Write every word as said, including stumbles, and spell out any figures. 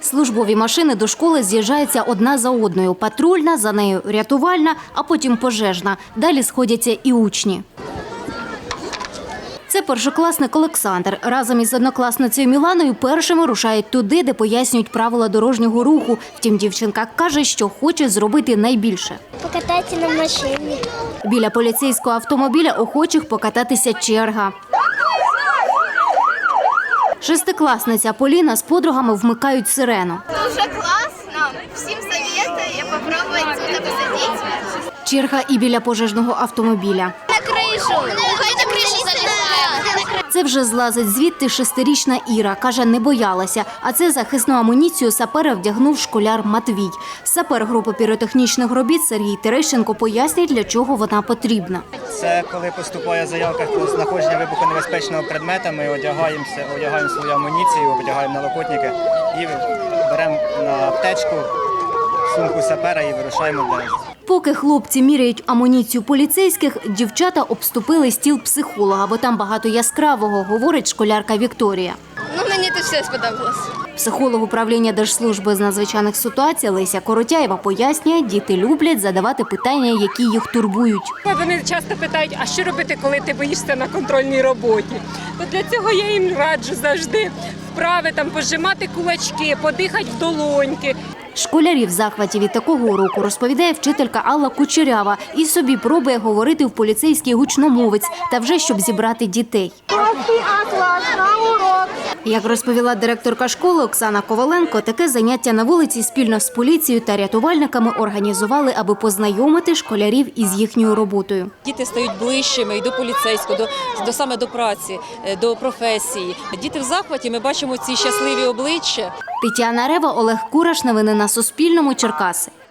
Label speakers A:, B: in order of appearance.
A: Службові машини до школи з'їжджаються одна за одною. Патрульна, за нею рятувальна, а потім пожежна. Далі сходяться і учні. Це першокласник Олександр. Разом із однокласницею Міланою першими рушають туди, де пояснюють правила дорожнього руху. Втім, дівчинка каже, що хоче зробити найбільше.
B: Покататися на машині.
A: Біля поліцейського автомобіля охочих покататися черга. Шестикласниця Поліна з подругами вмикають сирену.
C: Дуже класно. Всім советую попробувати тут посидіти.
A: Черга і біля пожежного автомобіля.
C: На кришу. Хай на кришу залізає.
A: Це вже злазить звідти шестирічна Іра. Каже, не боялася. А це захисну амуніцію сапера вдягнув школяр Матвій. Сапер групи піротехнічних робіт Сергій Терещенко пояснює, для чого вона потрібна.
D: Це коли поступає заявка про знаходження вибухонебезпечного предмета, ми одягаємося, одягаємо свою амуніцію, одягаємо налокотники і беремо на аптечку сумку сапера і вирушаємо далі.
A: Поки хлопці міряють амуніцію поліцейських, дівчата обступили стіл психолога, бо там багато яскравого, говорить школярка Вікторія.
C: Ну, мені тут все сподобалось.
A: Психолог управління Держслужби з надзвичайних ситуацій Леся Коротяєва пояснює, діти люблять задавати питання, які їх турбують.
E: Вони часто питають, а що робити, коли ти боїшся на контрольній роботі? То для цього я їм раджу завжди вправи, там, пожимати кулачки, подихати в долоньки.
A: Школярі в захваті від такого уроку, розповідає вчителька Алла Кучерява. І собі пробує говорити в поліцейський гучномовець, та вже щоб зібрати дітей. Як розповіла директорка школи Оксана Коваленко, таке заняття на вулиці спільно з поліцією та рятувальниками організували, аби познайомити школярів із їхньою роботою.
F: Діти стають ближчими і до поліцейського, до, до саме до праці, до професії. Діти в захваті, ми бачимо ці щасливі обличчя.
A: Тетяна Рева, Олег Кураш. Новини на Суспільному. Черкаси.